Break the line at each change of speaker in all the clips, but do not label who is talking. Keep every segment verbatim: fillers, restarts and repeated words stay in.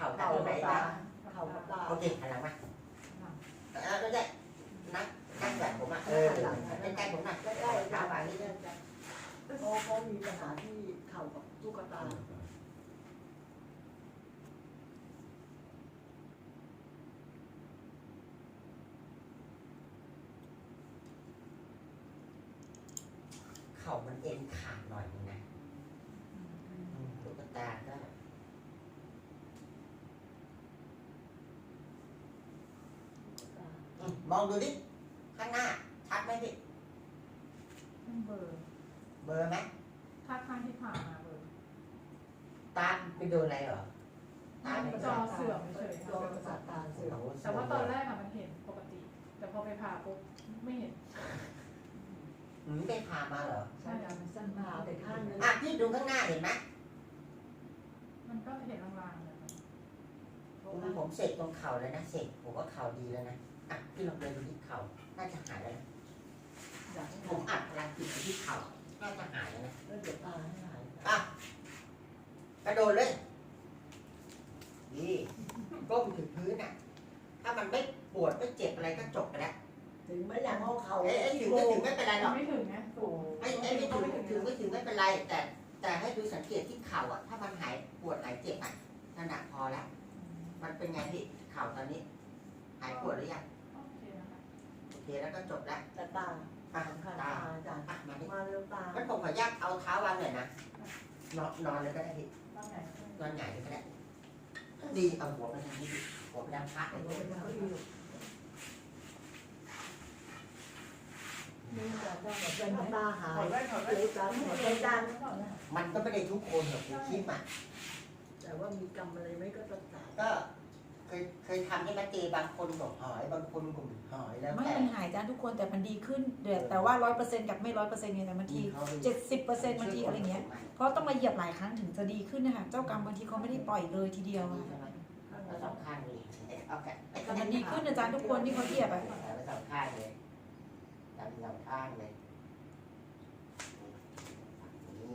า
เข่า
ตรงไหน
กับตา
นะ
เข่ากับตา
โอเคหันหลังมาแล้วก็ได้นั่งนั่งแบบผมอ่ะเออใกล้ๆผมอ่ะ
ใกล้ๆ
ขา
ตา
วาง
นี้
นี้
เขาเขามีปัญหาที่เข่ากับตุ๊กตา
เข่ามันเอ็นขาดหน่อยนึงนะตุ๊กตาก็มองดูดิข้างหน้าชัดไหมพี่
เบอร์
เบอร์ไหม
ถ้าข้างที่ผ่านมาเบอร์
ตาไปโดนอะไรเหรอตาไป
จอเสื่อมเฉย
จอประสาทตาเสื่อม
แต่ว่าตอนแรกอะมันเห็นปกติ แต่พอไปผ่าปุ๊บไม่เห็น
หืมไปผ่ามาเหรอ
ใช่มันสั้นมาไปข้างนึง
อ่ะพี่ดูข้างหน้าเห็นไหม
มันก็เห็นลางๆเลย
ผมเสกตรงเข่าแล้วนะเสกผมว่าเข่าดีแล้วนะอ่ะพี่ลองเดินดูที่เข่าน่าจะหายแล้วนะ
อยากให้
ผมอัดพลังจิตไปที่เข่าน่าจะหายแล้วนะ
แล้วเดี๋ยวตาให้หาย
อ่ะกระโดดเลยนี่ก้มถึงพื้นอ่ะ ถ้ามันไม่ปวดไม่เจ็บอะไรก็จบไปแล้ว
ถึงไม่อยากเอาเข่า
เอ้ยถึงไม่ถึงไม่เป็นไรหรอก
ไม่ถึงนะสูง
ไอ้ไอ้ไม่ถึงถึงไม่ถึงไม่เป็นไร แต่แต่ให้ดูสังเกตที่เข่าอ่ะถ้ามันหายปวดหายเจ็บอ่ะนั่นแหะพอแล้วมันเป็นไงพี่เข่าตอนนี้ หายปวดหรือยัง
โอเคนะคะ
โอเคแล้วก็จบแล้ว
แต่ตา
อ่ะ
สำคัญ
ตา
ตาอาจารย์
อ่ะมาดิ
มาเร็วตา
งั้นผมขออนุญาตเอาเท้าวางหน่อยนะนอนนอนเลยก็ได้พี่
บ้างไหน
นอนหงายเลยก็ได้ดีเอาหัวไปทางนี้ดิหัวไปทางพระเลย
เอาไว้ทางที่อยู่นี่อาจารย์ได้แบบเป็นตาหาย
ถอดแว่นถอด
เร็
แว่น
วตาหัวใจดัง
มันก็ไม่ได้ทุกคนหรอกคุณคิดอ่ะ
แต่ว่ามีกรรมอะไรไหมก็ต้องตาย
ก็เคยเคยทำให้มาเจบางคนบอกหายบางคนก็ไม่หายแล้ว
ไม่
แต่
มันหายจ้าทุกคนแต่มันดีขึ้นเดี๋ยวแต่ว่าร้อยเปอร์เซ็นต์กับไม่ร้อยเปอร์เซ็นต์ไงแต่บางทีเจ็ดสิบเปอร์เซ็นต์บางทีอะไรเงี้ยเพราะต้องมาเหยียบหลายครั้งถึงจะดีขึ้นนะคะเจ้ากรรมบางทีเขาไม่ได้ปล่อยเลยทีเดียวอะ
ใช่ไหมแล้วสองข้างเลยโอเค
แต่มันดีขึ้นอาจารย์ทุกคนที่เขาเหยียบอะ
แล้วสองข้างเลยดันสองข้างเลยนี่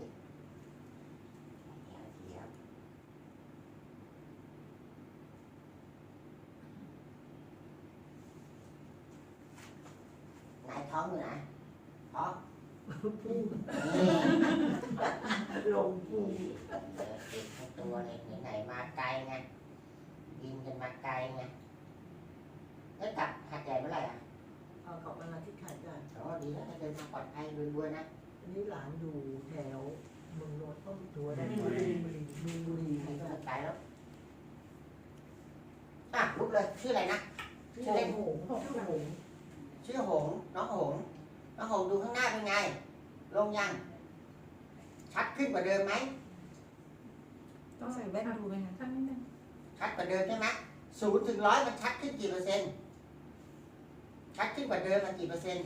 เทียบไหนท้องอยู่ไหนท้อง
พุ่ง
นี่
ลงพุ่ง
เออติดทั้งตัวเลยไหนๆมาไกลไงบินกันมาไกลไงแล้วกลับหัดใหญ่เมื่อไหร่อ่ะ
เอากลับมาที่ขาดกัน
โอ้ดีแล้วถ้าเดินทางปลอดภัยรวยๆนะ
อันนี้หลานอยู่แถวเมืองโนนท์ต้นตัวได้บุรีบุรีบุรี
ใครก็มาไกลแล้วอ่ะลุกเลยชื่ออะไรนะ
ชื่อหงชื่อหง
ชื่อหงน้องหงน้องหงดูข้างหน้าเป็นไง ลงยัง ชัดขึ้นกว่าเดิมไหม
ต้องใส่แว่นดูไหมคะ
ท่านนิดนึง
ชัดกว่าเดิมใช่ไหมศูนย์ถึงร้อยมันชัดขึ้นกี่เปอร์เซ็นต์ชัดขึ้นกว่าเดิมมันกี่เปอร์เซ็นต์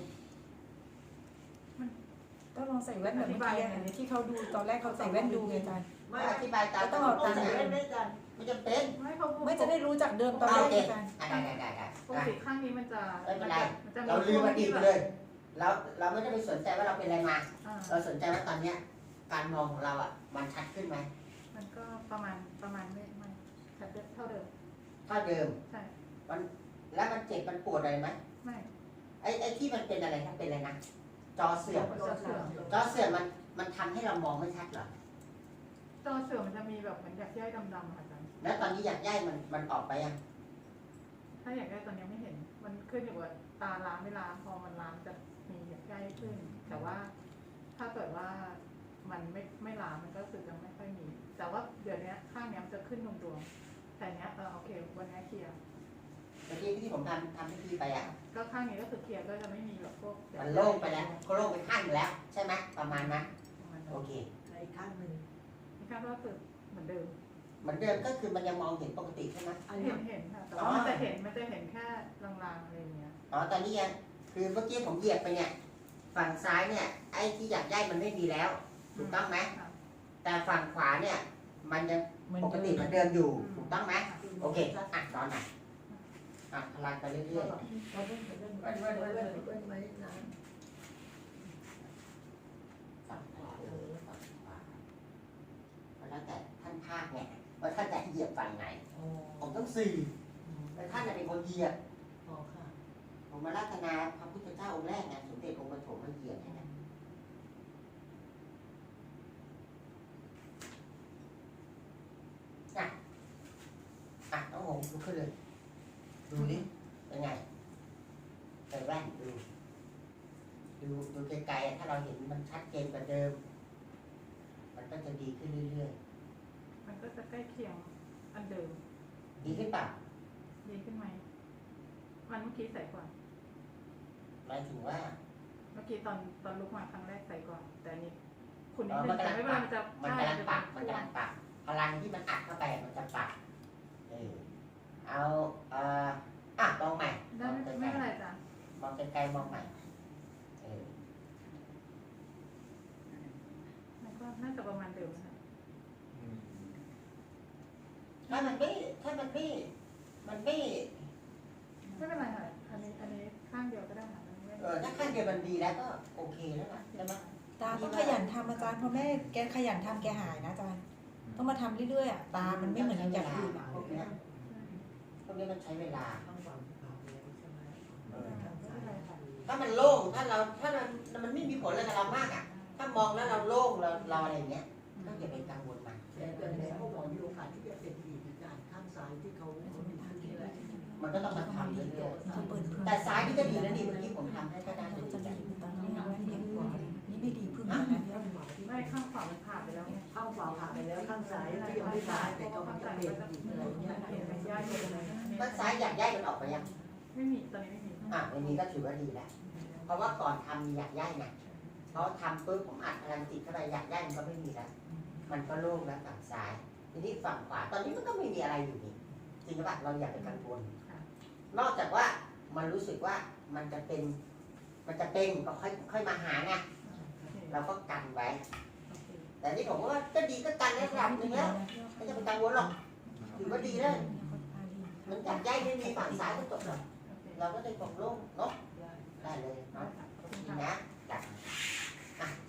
ต้องลองใส่แว่นแบบเมื่อกี้อะที่เขาดูตอนแรกเขาใส่แว่นดูไงอาจารย์
ไม่อธิบายตาม
ต้องเอาตาม
ใส่แว่นได้กัน
ไม่จำเป็น
ไม่เขา
ไม่จะได้รู้จากเดิมตอนแร
โอก เค
อาจารย์
อ่ะได้ได้ได้ได้
ปกติข้างนี้มันจะ
ไม่เป็นไร
มันจะ
เราลืมอดีตไปเลย เราเราไม่ได้ไปสนใจว่าเราเป็นอะไรมา
อ่า
เราสนใจว่าตอนเนี้ย การมองของเราอ่ะ มันชัดขึ้นไหม
มันก็ประมาณประมาณไม่ไม่เท่าเดิม
เท่าเดิม
ใช่
มันแล้วมันเจ็บมันปวดอะไรไหม
ไม่
ไอ้ไอ้ที่มันเป็นอะไรครับเป็นอะไรนะจอเสื่อม
จอเสื่อม
จอเสื่อมมันมันทำให้เรามองไม่ชัดเหรอ
จอเสื่อมมันจะมีแบบเหมือนอยากแยกดำๆค่ะอาจารย์
แล้วตอนนี้อยากย้ายมันมันออกไปยัง
ถ้าอยากได้ตอนนี้ไม่เห็น มันขึ้นอยู่กับตาล้างไม่ล้างพอมันล้างจะมีอยากได้ขึ้น แต่ว่าถ้าเกิดว่ามันไม่ไม่ล้างมันก็รู้สึกยังไม่ค่อยมี แต่ว่าเดี๋ยวนี้ข้างเนี้ยมันจะขึ้นดวงๆแต่เนี้ยเออโอเควันนี้เคลียร์
เมื่อกี้ที่ผมทำทำพิธีไปอ่ะ
ก็ข้างนี้ก็คือเคลียร์ก็จะไม่มีแบบพวก
มันโล่งไปแล้วก็โล่งไปข้างหนึ่งแล้ว ใช่ไหมประมาณนั้น
ประมาณ
โอ
นั้น
เค
ในข้างหนึ่ง
นี่ค่ะก็คือเหมือนเดิม
เหมือนเดิมก็คือมันยังมองเห็นปกติใช่ไหม
อันนี้
เห็นเห็นค่ะแต่ว่ามันจะเห็นมันจะเห็นแค่ลางๆอะไรอย่างเงี้ย
อ๋อตอนนี้ยังคือเมื่อกี้ผมเหยียบไปเนี่ย ฝั่งซ้ายเนี่ย ไอ้ที่อยากย้ายมันไม่มีแล้ว ถูกต้องไหม
ค่ะ
แต่ฝั่งขวาเนี่ย มันยัง
เหมือน
ปก
เดิ
ติ
ม
เหมือนเดิมอยู่ ถูกต้องไหมโอเค อ่ะนอนหน่อยอ่ะพลังไปเรื่อย
เราเล่นเล่นเล่นเล่นเล่นเล่นไหมนะ
ๆฝั่งขวาเออฝั่งขวาแล้วแต่ท่านภาคเนี่ย บว่าท่านจะเหยียบฝั่งไหน
อ๋อ
ผมต้องสี่แต่ท่านน่ะเป็นคนเหยียบ
อ๋อค่ะ
ผมมารัตนาพระพุทธเจ้าองค์แรกไงสมเด็จองค์ปฐมมาเหยียบให้นะอ่ะอ่ะน้องหงลุกขึ้นเลย ดูดิเป็นไงใส่แว่นดู ดูดูไกลๆถ้าเราเห็นมันชัดเจนกว่าเดิม มันก็จะดีขึ้นเรื่อย
มันก็จะใกล้เคียงอันเดิม
ๆ ดีขึ้นเปล่า
ดีขึ้นไหมมันเมื่อกี้ใส่ก่อน
หมายถึงว่า
เมื่อกี้ตอนตอนลุกมาครั้งแรกใส่ก่อน แต่อันนี้คุณนิ
เอ
ด
อ
นึ
มัน
งแต่
กำลัง
ไม่เป็น
ป
ไร
รับ
มันจะ
มันกำลังปรับ
ใช่
มันกำลังปรับ พลังที่มันอัดเข้าไปมันจะปรับเออเอาเอ่ออ่ะมองใหม่ม
ได้
อง
ไม่
ไกล
ไม่เป็นไรจ้ะ
ๆมองไกลๆมองใหม่เออ
มันก็น่าจะประมาณเดิมนะ
ถ้ามันไม่ถ้ามันไม่มันไม่
ไม่เป็นไรค่ะอันนี้อันนี้ข้างเดียวก็ได้ค่ะมันไม่
เออถ้าขั้นเดียวมันดีแล้วก็โอเคแล้วล่ะใช่ไหม
ตาต้องขยันทำอาจารย์เพราะแม่แกขยันทำแกหายนะอาจารย์ต้องมาทำเรื่อยๆอ่ะตามันไม่เหมือนอย่างอื่นอะ
พวกเนี้ยพวกนี้มันใช้เวลา
ข้างฝั่งขาวแล้วใช่ไหม
เออ
ไม่เป็นไรค่ะ
ถ้ามันโล่งถ้าเราถ้ามันมันไม่มีผลอะไรกับเรามากอ่ะ ถ้ามองแล้วเราโล่งเราเราอะไรอย่างเงี้ยก็อย่าไปกังวลมัน
แต่แต่ในพวกหมอมีโอกาสที่จะเป็นอีกการข้างซ้ายที่เขาเขาดีขึ้นนี่แหละ
มันก็ต้องมาทำเรื่อย
เขาเปิดเผย
ๆแต่ซ้ายนี่ก็ดีแล้วนี่เมื่อกี้ผมทำให้ก็น่าจะ
เขา
ดี
จะ
แล้ว
มีตอนนี้แว่นเด็กกว่านี่ไม่ดีพึ่งนะเนี่ย
ข้างขวาที่
ไม่ข้างขวามันผ่านไปแล้วไง
ข้างขวาผ่านไปแล้วข้างซ้ายที่ยังไม่ผ่านแต่กำลังจะเป็นอีกอะไรเงี้ย
เห็นมันย่อยอยู่เลย
ด้านซ้ายอยากย้ายมันออกไปยัง
ไม่มีตอนนี้ไม่มี
อ่ะวันนี้ก็ถือว่าดีแล้ว เพราะว่าก่อนทำมีอยากย้ายนะเพราะทำปุ๊บผมอัดพลังจิตเข้าไปอยากย้ายมันก็ไม่มีแล้ว มันก็โล่งแล้วฝั่งซ้าย ทีนี้ฝั่งขวาตอนนี้มันก็ไม่มีอะไรอยู่นี่จริงหรือเปล่าเราอย่าไปกังวลนอกจากว่ามันรู้สึกว่ามันจะเป็น มันจะเป็นก็ค่อยค่อยมาหาไงเราก็กันไว้ แต่นี่ผมว่าก็ดีก็กันได้ระดับหนึงแล้วไม่ต้องไปกังวลหรอกถือว่าดีแล้วมันอยากย้ายไม่มีฝั่งซ้ายก็จบแล้วเราก็ได้ตกโล่งเนาะได้เลยเนาะดีนะจ้ะอ่ะ